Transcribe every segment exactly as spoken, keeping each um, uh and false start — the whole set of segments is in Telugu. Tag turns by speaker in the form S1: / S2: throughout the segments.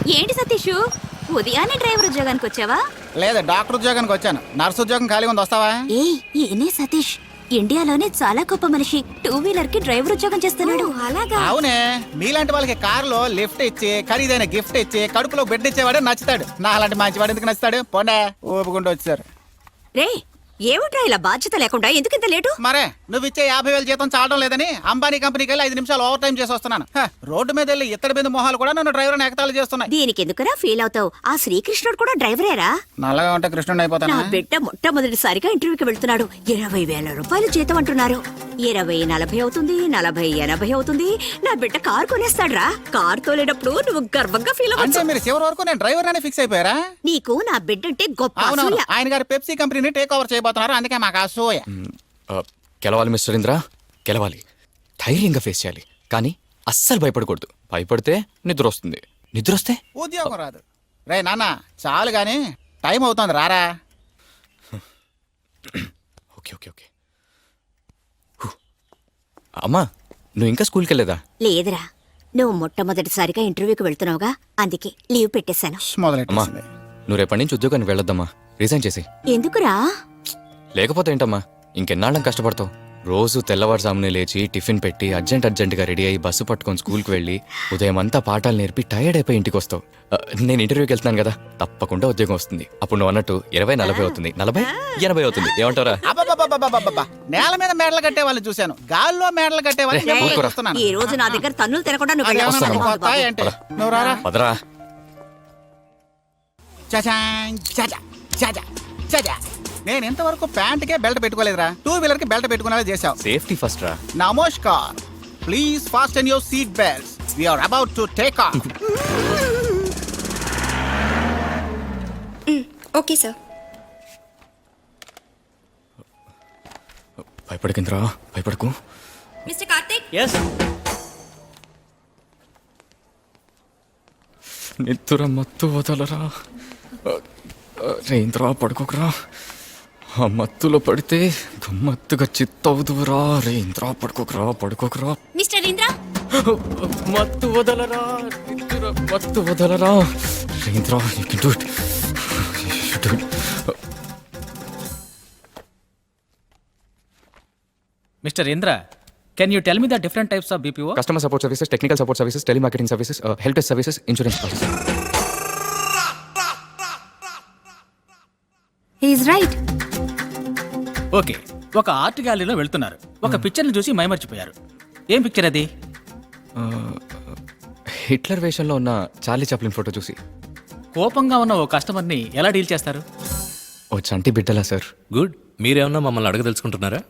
S1: ఏంటి సతీష్, ఉదయాన్నే డ్రైవర్ ఉద్యోగానికి వచ్చావా?
S2: లేదు, డాక్టర్ ఉద్యోగానికి వచ్చాను. నర్సు ఉద్యోగం ఖాళీగా ఉంది, వస్తావా?
S1: ఏ ఈయనే సతీష్, ఇండియాలోనే చాలా గొప్ప మనిషి. టూ వీలర్ కి డ్రైవర్ ఉద్యోగం చేస్తున్నాడు. అలాగా?
S2: అవునే, మీలాంటి వాళ్ళకి కారులో లిఫ్ట్ ఇచ్చి ఖరీదైన గిఫ్ట్ ఇచ్చి కడుపులో బెడ్ ఇచ్చేవాడు నచ్చుతాడు. నా అలాంటి మంచివాడు ఎందుకు నచ్చుతాడు? పోండా, ఊపుకుంటూ వచ్చారు.
S1: రే ఏమిట్రా ఇలా బాధ్యత లేకుండా ఎందుకు ఇంత లేటు?
S2: మరే నువ్వు ఇచ్చే యాభై వేల జీతం చాలడం లేదని అంబానీ కంపెనీకి వెళ్ళి ఐదు నిమిషాలు ఓవర్ టైం చేసి వస్తున్నాను. హ, రోడ్డు మీద వెళ్ళి ఇత్తడి మీద మొహాలు కూడా నన్ను డ్రైవర్ ఎగతాళి చేస్తున్నాయి.
S1: దీనికి ఎందుకురా ఫీల్ అవుతావు? ఆ శ్రీకృష్ణుడు కూడా డ్రైవరేరా?
S2: నల్లగా ఉంటే కృష్ణుడు అయిపోతాను.
S1: నా బిడ్డ మొట్టమొదటిసారిగా ఇంటర్వ్యూకి వెళ్తున్నాడు. ఇరవై వేల రూపాయలు జీతం అంటున్నారు. ఇరవై నలభై అవుతుంది, నలభై ఎనభై అవుతుంది. నా బిడ్డ కారు కొనేస్తాడ్రా. కారు తోలేటప్పుడు నువ్వు గర్వంగా ఫీల్
S2: అంటే
S1: అవ్వచ్చు.
S2: మీరు చివరి వరకు నేను డ్రైవర్ అనే ఫిక్స్ అయిపోయారా?
S1: నీకు నా బిడ్డ అంటే గొప్ప
S2: అవునవును,
S1: అసూయ.
S2: ఆయన గారు పెప్సీ కంపెనీని టేక్ ఓవర్ చేయబోతున్నారు, అందుకే మాకు అసూయ.
S3: గెలవాలి మిస్టర్ ఇంద్ర, గెలవాలి. ధైర్యంగా ఫేస్ చేయాలి, కానీ అస్సలు భయపడకూడదు. భయపడితే నిద్ర వస్తుంది, నిద్ర వస్తే
S2: ఉద్యోగం రాదు. రే నాన్న చాలు గాని, టైం అవుతుంది, రారా.
S3: Okay okay okay. హూ. అమ్మా, నువ్వు ఇంకా స్కూల్కి వెళ్ళలేదా?
S1: లేదురా, నువ్వు మొట్టమొదటిసారిగా ఇంటర్వ్యూకి వెళ్తున్నావుగా, అందుకే లీవ్ పెట్టేశాను.
S3: అమ్మా,
S2: మొదలెట్టేసింది.
S3: నువ్వు రేపటి నుంచి ఉద్యోగానికి వెళ్ళొద్దమ్మా, రిజైన్ చేసి.
S1: ఎందుకురా?
S3: లేకపోతే ఏంటమ్మా, ఇంకెన్నాళ్ళం కష్టపడతావు? రోజు తెల్లవారుజామునే లేచి టిఫిన్ పెట్టి అర్జెంట్ అర్జెంటుగా రెడీ అయ్యి బస్సు పట్టుకొని స్కూల్కి వెళ్ళి ఉదయం అంతా పాఠాలు నేర్పి టైర్డ్ అయిపోయి ఇంటికి వస్తావు. ఆ, నేను ఇంటర్వ్యూకి వెళ్తున్నాను కదా, తప్పకుండా ఉద్యోగం వస్తుంది. అప్పుడు నువ్వు అన్నట్టు ఇరవై నలభై అవుతుంది, నలభై ఎనభై అవుతుంది. ఏమంటారా?
S2: అబ్బబ్బబ్బబ్బబ్బబ్బబ్బ. నేల మీద మేడలు కట్టే వాళ్ళని చూశాను, గాల్లో మేడలు కట్టే
S3: రే,
S2: వాళ్ళని
S3: ఊరుకోరా.
S2: చూస్తున్నాను.
S1: ఈ రోజు నా దగ్గర తన్నులు తినకుండా నువ్వు
S2: అదేమన్నా
S1: వెళ్ళావు.
S2: నాకు కొత్త ఏంటి? నువ్వు రారా.
S3: పదరా.
S2: చచాం, చచా, చచా, చచా. నేను ఇంతవరకు ప్యాంట్కే బెల్ట్ పెట్టుకోలేదురా, టూ వీలర్ కి బెల్ట్ పెట్టుకునేలా చేశావు.
S3: సేఫ్టీ ఫస్ట్ రా.
S2: నమస్కార్, please fasten your seat belts, we are about to take off.
S4: Okay sir.
S3: భయపడకింద్రా, భయపడకు.
S4: మిస్టర్ కార్తిక్.
S3: నిద్ర మత్తు వదలరా. రేంద్రా, పడుకోకరా. ఆ మత్తులో పడితే గమ్మత్తుగా చిత్తవుదురా. రేంద్రా, పడుకోకరా, పడుకోకరా.
S4: మిస్టర్ ఇంద్ర.
S3: మత్తు వదలరా, నిద్ర మత్తు వదలరా. రేంద్రా, you can do it. You do it.
S5: Mister Indra, can you tell me the different types of B P O?
S3: Customer support services, technical support services, telemarketing services, uh, help desk services, insurance services.
S1: He is right.
S5: Okay, ఒక ఆర్ట్ గ్యాలరీలో వెళ్తున్నారు. ఒక పిక్చర్ని చూసి మైమర్చిపోయారు. ఏం పిక్చర్ అది?
S3: హిట్లర్ వేషంలో ఉన్న చార్లీ చాప్లిన్ ఫోటో చూసి.
S5: కోపంగా ఉన్న ఓ కస్టమర్ని ఎలా డీల్ చేస్తారు?
S3: ఓ చంటి బిడ్డలా సార్.
S6: గుడ్. మీరేమన్నా మమ్మల్ని అడగదలుచుకుంటున్నారా?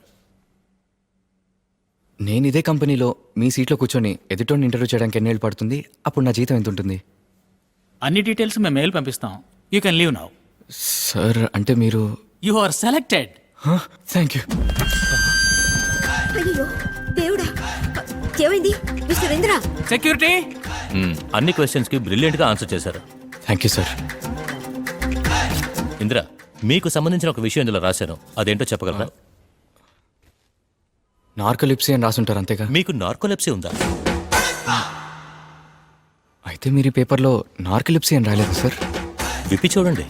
S3: నేను ఇదే కంపెనీలో మీ సీట్లో కూర్చొని ఎదుటోని ఇంటర్వ్యూ చేయడానికి ఎన్నేళ్ళు పడుతుంది? అప్పుడు నా జీతం ఎంత ఉంటుంది?
S5: అన్ని డీటెయిల్స్ మేము మెయిల్ పంపిస్తాం. You can leave now.
S3: Sir, అంటే మీరు...
S5: you are selected.
S3: Thank you.
S1: అయ్యో దేవుడా, ఏమైంది మిస్టర్ ఇంద్ర?
S5: సెక్యూరిటీ.
S6: మ్మ్, అన్ని క్వశ్చన్స్ కి బ్రిలియంట్ గా ఆన్సర్ చేశారు.
S3: Thank you sir.
S6: ఇందిరా, మీకు సంబంధించిన ఒక విషయం ఇందులో రాశాను, అదేంటో చెప్పగలరా?
S3: నార్కోలిప్సీ అని రాసుంటారు, అంతేగా?
S6: మీకు నార్కోలెప్సీ ఉందా?
S3: అయితే మీరు ఈ పేపర్లో నార్కోలిప్సీ అని రాలేదు సార్?
S6: విప్పి చూడండి.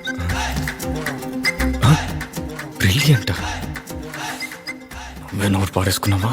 S3: బ్రిలియంట్. నువ్వే నోరు పాడేసుకున్నావా?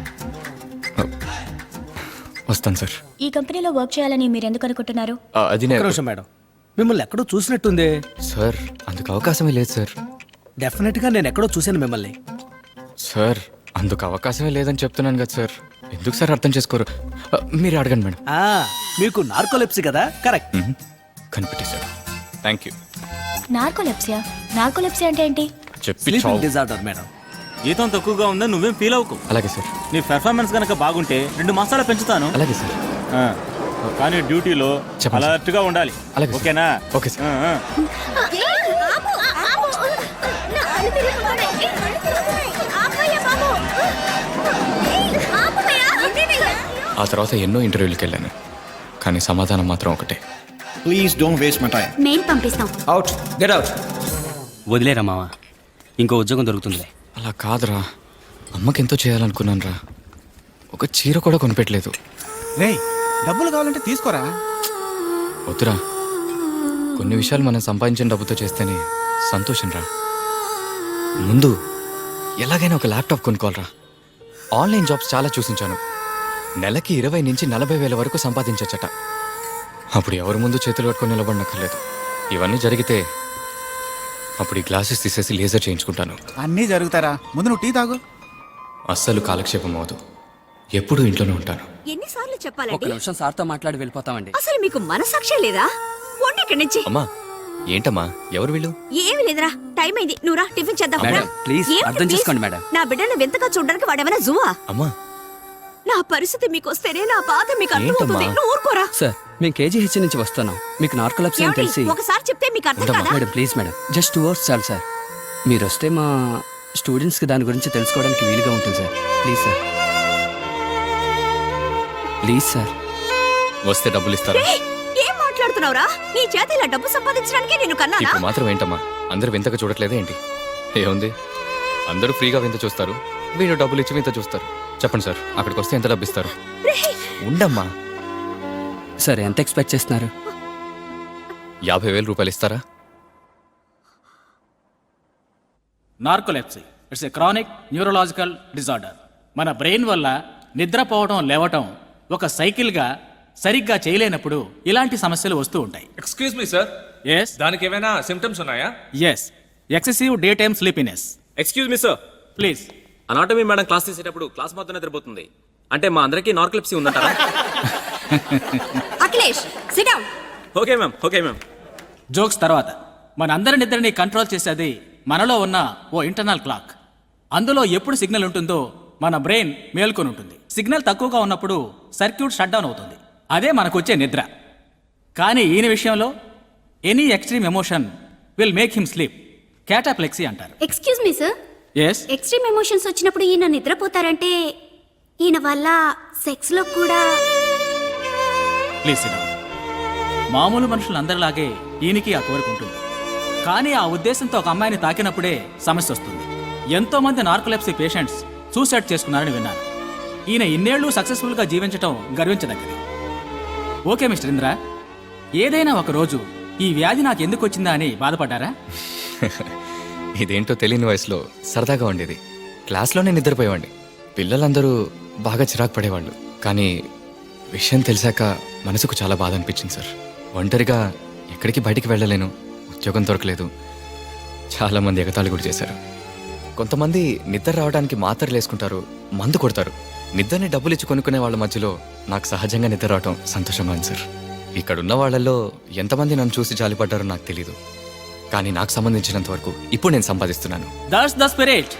S3: వస్తాను సార్.
S4: ఈ కంపెనీలో వర్క్ చేయాలని మీరు ఎందుకు అనుకుంటున్నారు?
S3: ఆ, అది నేను...
S7: నిమిషం మేడం, మిమ్మల్ని ఎక్కడో చూసినట్టుంది.
S3: సార్, అందుకు అవకాశమే లేదు సార్.
S7: డెఫినెట్ గా నేను ఎక్కడో చూశాను మిమ్మల్ని.
S3: సార్, అందుకు అవకాశమే లేదని చెప్తున్నాను కదా సార్. ఎందుకు సార్ అర్థం చేసుకోరు? ఆ, మీరు అడగండి మేడం.
S7: ఆ మీకు నార్కోలెప్సీ కదా? కరెక్ట్.
S3: కనిపెట్టేశారు. Thank you.
S4: నార్కోలెప్సియా? నార్కోలెప్సియా అంటే ఏంటి?
S3: చెప్పి
S7: స్లీపింగ్
S3: చావు.
S7: Disorder madam.
S8: జీతం తక్కువగా ఉందని నువ్వేం ఫీల్ అవ్వకు.
S3: అలాగే సార్.
S8: నీ పెర్ఫార్మెన్స్ కనుక బాగుంటే రెండు మాసాలు పెంచుతాను.
S3: అలాగే సార్.
S8: ఆ, కానీ డ్యూటీలో
S3: చెప్పండి సార్.
S8: అలర్ట్ గా ఉండాలి.
S3: అలాగే సార్.
S8: ఓకేనా?
S3: Okay sir.
S8: ఆ, ఆ.
S3: ఆ తర్వాత ఎన్నో ఇంటర్వ్యూలకు వెళ్ళాను, కానీ సమాధానం మాత్రం ఒకటే.
S9: Please don't waste my time.
S1: Mail పంపిస్తాం.
S7: Out, get out.
S10: వదిలేరా మావా, ఇంకో ఉద్యోగం దొరుకుతుందిలే.
S3: అలా కాదురా, అమ్మకి ఎంతో చేయాలనుకున్నాను రా. ఒక చీర కూడా కొనిపెట్టలేదు.
S2: రే, డబ్బులు కావాలంటే తీసుకోరా.
S3: వద్దురా, కొన్ని విషయాలు మనం సంపాదించిన డబ్బుతో చేస్తేనే సంతోషం రా. ముందు ఎలాగైనా ఒక ల్యాప్టాప్ కొనుక్కోవాలరా. ఆన్లైన్ జాబ్స్ చాలా చూసించాను, నెలకి ఇరవై నుంచి నలభై వేల వరకు సంపాదించచ్చట. అప్పుడు ఎవరి ముందు చేతులు కట్టుకొని నిలబడనక్కర్లేదు. ఇవన్నీ జరిగితే అప్పుడు ఈ గ్లాసెస్ తీసేసి లేజర్ చేయించుకుంటాను.
S2: అన్నీ జరుగుతారా, ముందు నువ్వు టీ తాగు.
S3: అస్సలు కాలక్షేపం అవదు, ఎప్పుడూ ఇంట్లోనే ఉంటాను.
S1: ఎన్నిసార్లు
S10: ఒక
S1: చెప్పాలండి?
S10: నిమిషం సార్తో మాట్లాడి వెళ్ళిపోతామండి.
S1: అసలు మీకు మనసాక్షే లేదా? వండి ఇక్కడి నుంచి.
S3: అమ్మా, ఏంటమ్మా, ఎవరు వీళ్ళు?
S1: ఏమి లేదురా, టైం అయింది. నువ్వు రా, టిఫిన్ చేద్దాం.
S10: మేడం,
S1: రా.
S10: ప్లీజ్,
S1: ఏమిటి
S10: అర్థం
S1: ప్లీజ్?
S10: చేసుకోండి మేడం.
S1: నా బిడ్డను వింతగా చూడడానికి వాడేమైనా జువా?
S3: అమ్మా,
S1: నా పరిస్థితి మీకు వస్తేనే నా బాధ మీకు అర్థమవుతుంది.
S3: ఏంటమ్మా?
S1: నువ్వు ఊరుకోరా.
S10: సార్, మేము కేజీహెచ్ నుంచి వస్తున్నాం. మీకు నార్కోలెప్సీ అని
S1: ఏమిటి?
S10: తెలిసి.
S1: ఒకసారి చెప్తే మీకు అర్థం
S3: ఉండమ్మా.
S1: కాదా?
S10: Madam please madam, just two hours చాలు సార్. మీరు వస్తే మా స్టూడెంట్స్కి దాని గురించి తెలుసుకోవడానికి వీలుగా ఉంటుంది sir. Please sir, please sir.
S3: వస్తే డబ్బులు ఇస్తారా?
S1: ఏయ్, ఏం మాట్లాడుతున్నావురా? నీ చేత ఇలా డబ్బు సంపాదించడానికి నేను కన్నానా?
S3: ఇప్పుడు మాత్రం ఏంటమ్మా, అందరూ వింతగా చూడట్లేదే ఏంటి? ఏముంది, అందరూ ఫ్రీగా వింత చూస్తారు, వీళ్ళు డబ్బులు ఇచ్చి వింత చూస్తారు. చెప్పండి సార్, అక్కడికి వస్తే ఎంత డబ్బు ఇస్తారు?
S1: రేయ్,
S3: ఉండమ్మా,
S10: సార్ ఎంత ఎక్స్పెక్ట్ చేస్తున్నారు?
S3: యాభై వేల రూపాయలు ఇస్తారా?
S5: Narcolepsy it's a chronic neurological disorder. మన బ్రెయిన్ వల్ల నిద్రపోవడం లేవటం ఒక సైకిల్గా సరిగ్గా చేయలేనప్పుడు ఇలాంటి సమస్యలు వస్తూ ఉంటాయి.
S11: ఎక్స్క్యూజ్ మీ సార్,
S5: ఎస్
S11: దానికి ఏమైనా సిమ్టమ్స్ ఉన్నాయా?
S5: Yes excessive daytime sleepiness.
S11: Excuse me sir,
S5: please.
S11: Anatomy madam class తీసేటప్పుడు క్లాస్ మొత్తం నిద్రపోతుంది. అంటే మా అందరికీ నార్కోలెప్సీ ఉందంటారా?
S1: Akhilesh, sit down.
S11: Okay ma'am, okay ma'am.
S5: Jokes తర్వాత, మనందరి నిద్రని కంట్రోల్ చేసేది మనలో ఉన్న ఓ ఇంటర్నల్ క్లాక్. అందులో ఎప్పుడు సిగ్నల్ ఉంటుందో మన బ్రెయిన్ మేల్కొని ఉంటుంది. సిగ్నల్ తక్కువగా ఉన్నప్పుడు సర్క్యూట్ షట్ డౌన్ అవుతుంది. అదే మనకొచ్చే నిద్ర. కానీ ఈయన విషయంలో any extreme emotion will make him sleep. Cataplexy అంటారు.
S4: Excuse me sir,
S5: yes,
S4: extreme emotions వచ్చినప్పుడు ఈయన నిద్రపోతారంటే ఈయన వల్ల సెక్స్ లో కూడా.
S5: Please sit down. మామూలు మనుషులందరిలాగే ఈయనకి ఆ కోరిక ఉంటుంది. కానీ ఆ ఉద్దేశంతో ఒక అమ్మాయిని తాకినప్పుడే సమస్య వస్తుంది. ఎంతో మంది నార్కోలెప్సీ పేషెంట్స్ సూసైడ్ చేసుకున్నారని విన్నాను. ఈయన ఇన్నేళ్లు సక్సెస్ఫుల్గా జీవించటం గర్వించదగ్గది. ఓకే మిస్టర్ ఇంద్ర, ఏదైనా ఒక రోజు ఈ వ్యాధి నాకు ఎందుకు వచ్చిందా అని బాధపడ్డారా?
S3: ఇదేంటో తెలియని వయసులో సరదాగా ఉండేది. క్లాస్లోనే నిద్రపోయేవాడిని. పిల్లలందరూ బాగా చిరాకు పడేవాళ్ళు. కానీ విషయం తెలిసాక మనసుకు చాలా బాధ అనిపించింది సార్. ఒంటరిగా ఎక్కడికి బయటికి వెళ్ళలేను, ఉద్యోగం దొరకలేదు. చాలామంది ఎగతాళి కూడా చేశారు. కొంతమంది నిద్ర రావడానికి మాత్రలు వేసుకుంటారు, మందు కొడతారు. నిద్రని డబ్బులు ఇచ్చి కొనుక్కునే వాళ్ళ మధ్యలో నాకు సహజంగా నిద్ర రావటం సంతోషంగా ఉంది సార్. ఇక్కడున్న వాళ్ళల్లో ఎంతమంది నన్ను చూసి జాలిపడ్డారో నాకు తెలీదు. కానీ నాకు సంబంధించినంత వరకు ఇప్పుడు నేను సంపాదిస్తున్నాను.
S5: That's the spirit.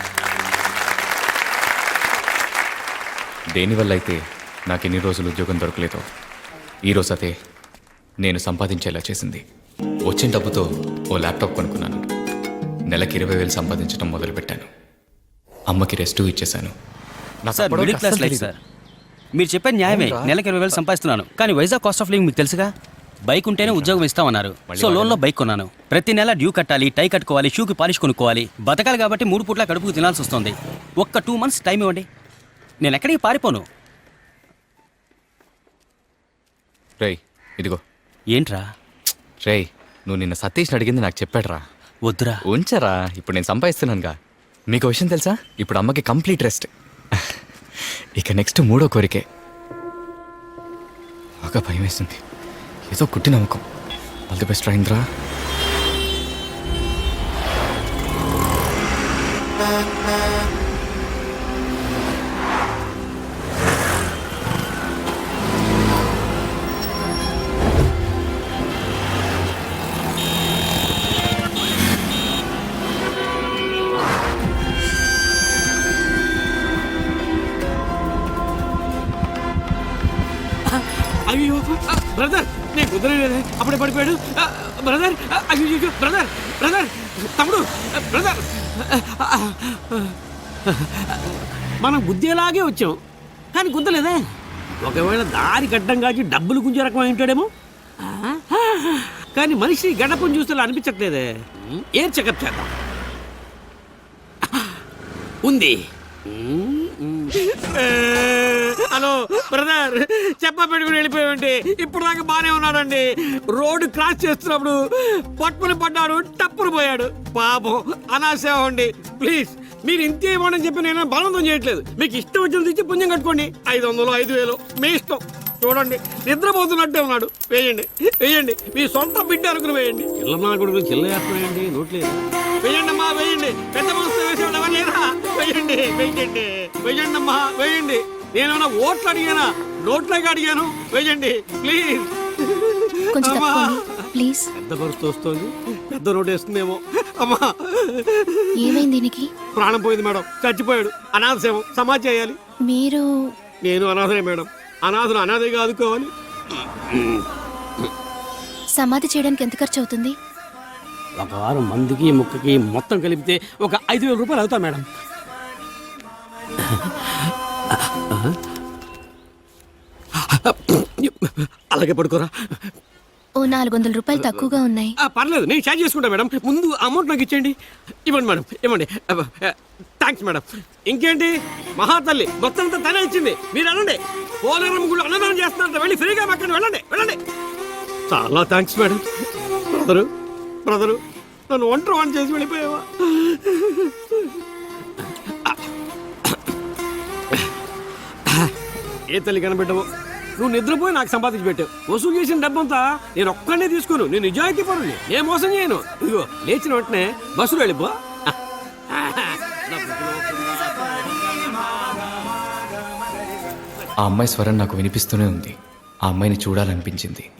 S3: దేనివల్ల అయితే నాకు ఎన్ని రోజులు ఉద్యోగం దొరకలేదో ఈరోజు అదే నేను సంపాదించేలా చేసింది. వచ్చిన డబ్బుతో ఓ ల్యాప్టాప్ కొనుక్కున్నాను. నెలకి ఇరవై వేలు సంపాదించడం మొదలుపెట్టాను. అమ్మకి రెస్టు ఇచ్చేశాను. నాకు
S10: సార్
S3: అప్పటివరకు
S10: మిడిల్ క్లాస్
S3: అస్సలు
S10: లైఫ్
S3: తెలీదు.
S10: సార్. మీరు చెప్పే న్యాయమే.
S3: అవునురా.
S10: నెలకి ఇరవై వేలు సంపాదిస్తున్నాను, కానీ వైజాగ్ కాస్ట్ ఆఫ్ లివింగ్ మీకు తెలుసుగా. బైక్ ఉంటేనే ఉద్యోగం ఇస్తామన్నారు. సో లోన్లో బైక్ కొన్నాను. ప్రతి నెల డ్యూ కట్టాలి, టై కట్టుకోవాలి, షూకి పాలిష్ కొనుక్కోవాలి. బతకాలి కాబట్టి మూడు పూట్ల కడుపుకు తినాల్సి వస్తుంది. ఒక్క టూ మంత్స్ టైం ఇవ్వండి, నేను ఎక్కడికి పారిపోను.
S3: రేయ్ ఇదిగో.
S10: ఏంట్రా?
S3: రేయ్, నువ్వు నిన్న సతీష్ని అడిగింది నాకు చెప్పాడురా.
S10: వద్దురా.
S3: ఉంచరా, ఇప్పుడు నేను సంపాదిస్తున్నానుగా. మీకు విషయం తెలుసా, ఇప్పుడు అమ్మకి కంప్లీట్ రెస్ట్. ఇక నెక్స్ట్ మూడో కోరికే. బాగా భయం వేస్తుంది, ఏదో కుట్టి నమ్మకం. ఆల్ ది బెస్ట్ రాయింద్రా.
S7: అయ్యో బ్రదర్, నేను కుదరలేదు, అప్పుడే పడిపోయాడు. బ్రదర్, అయ్యో బ్రదర్, బ్రదర్, తమ్ముడు, బ్రదర్. మనం గుద్దేలాగే వచ్చాం, కానీ గుద్దలేదే. ఒకవేళ దారి గడ్డం కాచి డబ్బులు గుంజే రకం ఉంటాడేమో. కానీ మనిషి గడపం చూస్తే అనిపించట్లేదే. ఏం చెకప్ చేద్దాం. ఉంది. హలో బ్రదర్, చెప్ప పెట్టుకుని వెళ్ళిపోయామండి. ఇప్పుడు దాకా బానే ఉన్నాడండి. రోడ్డు క్రాస్ చేస్తున్నప్పుడు పట్టుకుని పడ్డాడు, టప్పును పోయాడు. పాపం అనాసేవ అండి. ప్లీజ్ మీరు ఇంతే ఇవ్వమని చెప్పి నేను బలవంతం చేయట్లేదు. మీకు ఇష్టం వచ్చిన ఇచ్చి పుణ్యం కట్టుకోండి. ఐదు వందలు ఐదు వేలు మీ ఇష్టం. చూడండి నిద్రపోతున్నట్టే ఉన్నాడు. వేయండి వేయండి, మీ సొంత బిడ్డ అనుకుని వేయండి. చిల్లమ్మ కొడుకు చిల్ల వేస్తున్నాయండి, నోట్లేదు. వేయండి అమ్మా వేయండి. పెద్ద మనసు వేసేవాడు ఎవరు లేరా? వేయండి వేయండి వేయండి అమ్మా వేయండి. నేనేమన్నా ఓట్లు అడిగానా? నోట్లకి అడిగాను. వేయండి ప్లీజ్.
S4: కొంచెం
S7: అమ్మా.
S4: తప్పుకోండి ప్లీజ్.
S7: పెద్ద పరిస్థితి వస్తుంది, పెద్ద నోటు వేస్తుందేమో. అమ్మా
S4: ఏమైంది దీనికి?
S7: ప్రాణం పోయింది మేడం, చచ్చిపోయాడు. అనాథ సేవ సమాజ్ చేయాలి.
S4: మీరు
S7: నేను అనాథనే మేడం. అనాథను అనాథగా ఆదుకోవాలి.
S4: సమాధి చేయడానికి ఎంత ఖర్చు అవుతుంది?
S7: ఒక వారం మందికి ముక్కకి మొత్తం కలిపితే ఒక ఐదు వేల రూపాయలు అవుతా మేడం. అలాగే పడుకోరా.
S4: ఓ నాలుగు వందల రూపాయలు తక్కువగా ఉన్నాయి.
S7: ఆ, పర్లేదు నేను ఛార్జ్ చేసుకుంటా మేడం. ముందు అమౌంట్ నాకు ఇచ్చేయండి. ఇవ్వండి మేడం ఇవ్వండి. Thanks madam. ఇంకేంటి, మహాతల్లి మొత్తం అంతా తనే ఇచ్చింది. మీరు వెళ్ళండి. పోలవరం గుళ్ళు అన్నదానం చేస్తున్నారు, వెళ్ళి ఫ్రీగా మాకండి. వెళ్ళండి వెళ్ళండి. చాలా థ్యాంక్స్ మేడం. బ్రదరు బ్రదరు నన్ను ఒంటరి వాడిని చేసి వెళ్ళిపోయావా? ఏ తల్లి కనబెట్టవు. నువ్వు నిద్రపోయి నాకు సంపాదించి పెట్టావు. వసూలు చేసిన డబ్బంతా నేను ఒక్కడే తీసుకోను. నేను నిజాయితీ పరుని, నేను మోసం చేయను. ఇదిగో లేచిన వెంటనే బస్సులో వెళ్ళిపో.
S3: ఆ అమ్మాయి స్వరం నాకు వినిపిస్తూనే ఉంది. ఆ అమ్మాయిని చూడాలనిపించింది.